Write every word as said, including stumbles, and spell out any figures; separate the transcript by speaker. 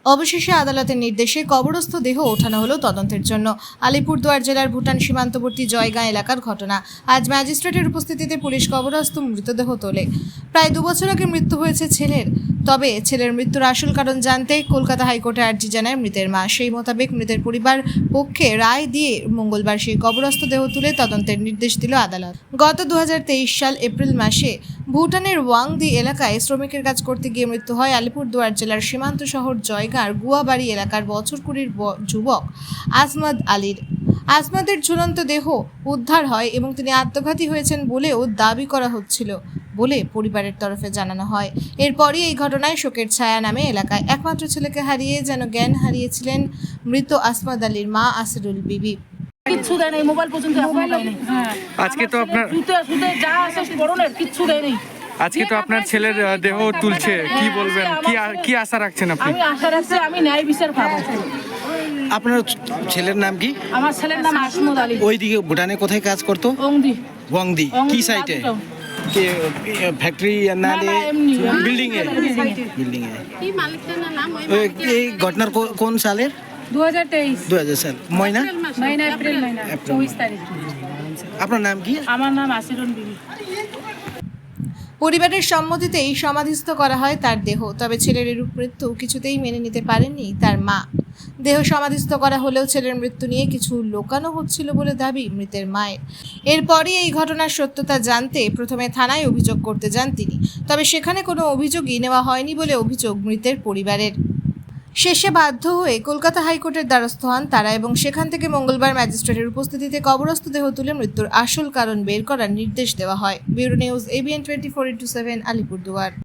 Speaker 1: অবশেষে আদালতের নির্দেশে কবরস্থ দেহ ওঠানো হলো তদন্তের জন্য। আলিপুরদুয়ার জেলার ভুটান সীমান্তবর্তী জয়গাঁ এলাকার ঘটনা। আজ ম্যাজিস্ট্রেটের উপস্থিতিতে পুলিশ কবরস্থ মৃতদেহ তোলে। প্রায় দু বছর আগে মৃত্যু হয়েছে ছেলের। তবে ছেলের মৃত্যুর আসল কারণ জানতে কলকাতা হাইকোর্টে আর্জি জানায় মৃতের মা। সেই মোতাবেক মৃতের পরিবার পক্ষে রায় দিয়ে মঙ্গলবার সেই কবরস্থ দেহ তুলে তদন্তের নির্দেশ দিল আদালত। গত দু হাজার তেইশ সাল এপ্রিল মাসে ভুটানের ওয়াংদি এলাকায় শ্রমিকের কাজ করতে গিয়ে মৃত্যু হয় আলিপুরদুয়ার জেলার সীমান্ত শহর জয়গাঁর গুয়াবাড়ি এলাকার বছর কুড়ির যুবক আজমত আলীর। আজমতের ঝুলন্ত দেহ উদ্ধার হয় এবং তিনি আত্মঘাতী হয়েছেন বলেও দাবি করা হচ্ছিল বলে পরিবারের তরফে জানানো হয়। এরপরই এই ঘটনায় শোকের ছায়া নামে এলাকায়। একমাত্র ছেলেকে হারিয়ে যেন জ্ঞান হারিয়েছিলেন মৃত আজমত আলীর মা আসিরুল বিবি।
Speaker 2: কিচ্ছু দেয় নাই, মোবাইল পর্যন্ত মোবাইল নেই।
Speaker 3: আজকে তো আপনার
Speaker 2: জুতে জুতে যা আছে পরনের কিচ্ছু দেয় নাই।
Speaker 3: আজকে তো আপনার ছেলের দেহ তুলছে, কি বলবেন, কি কি আশা রাখছেন আপনি?
Speaker 2: আমি আশা রাখছি আমি ন্যায় বিচার পাবো।
Speaker 4: আপনার ছেলের নাম কি?
Speaker 2: আমার ছেলের নাম আজমত আলী।
Speaker 4: ওইদিকে ভুটানে কোথায় কাজ করতো?
Speaker 2: ওংদি।
Speaker 4: ওয়াংদি কি সাইটে? কি ফ্যাক্টরি না বিল্ডিং এ? বিল্ডিং এ।
Speaker 5: এই মালিকটার নাম
Speaker 4: ওই এই ঘটনার কো- কোন সালের?
Speaker 2: দু হাজার তেইশ
Speaker 4: দু হাজার সাল ময়না
Speaker 2: মহিনা এপ্রিল মহিনা চব্বিশ তারিখ।
Speaker 4: আপনার নাম কি?
Speaker 2: আমার নাম আসিরুল বিবি।
Speaker 1: পরিবারের সম্মতিতেই সমাধিস্থ করা হয় তার দেহ। তবে ছেলের এরূপ মৃত্যু কিছুতেই মেনে নিতে পারেননি তার মা। দেহ সমাধিস্থ করা হলেও ছেলের মৃত্যু নিয়ে কিছু লোকানো হচ্ছিল বলে দাবি মৃতের মায়ের। এরপরই এই ঘটনার সত্যতা জানতে প্রথমে থানায় অভিযোগ করতে যান তিনি। তবে সেখানে কোনো অভিযোগই নেওয়া হয়নি বলে অভিযোগ মৃতের পরিবারের। শেষে বাধ্য হয়ে কলকাতা হাইকোর্টের দ্বারস্থ হন তারা এবং সেখান থেকে মঙ্গলবার ম্যাজিস্ট্রেটের উপস্থিতিতে কবরস্থ দেহ তুলে মৃত্যুর আসল কারণ বের করার নির্দেশ দেওয়া হয়। Bureau news ABN twenty four into seven Alipurduar.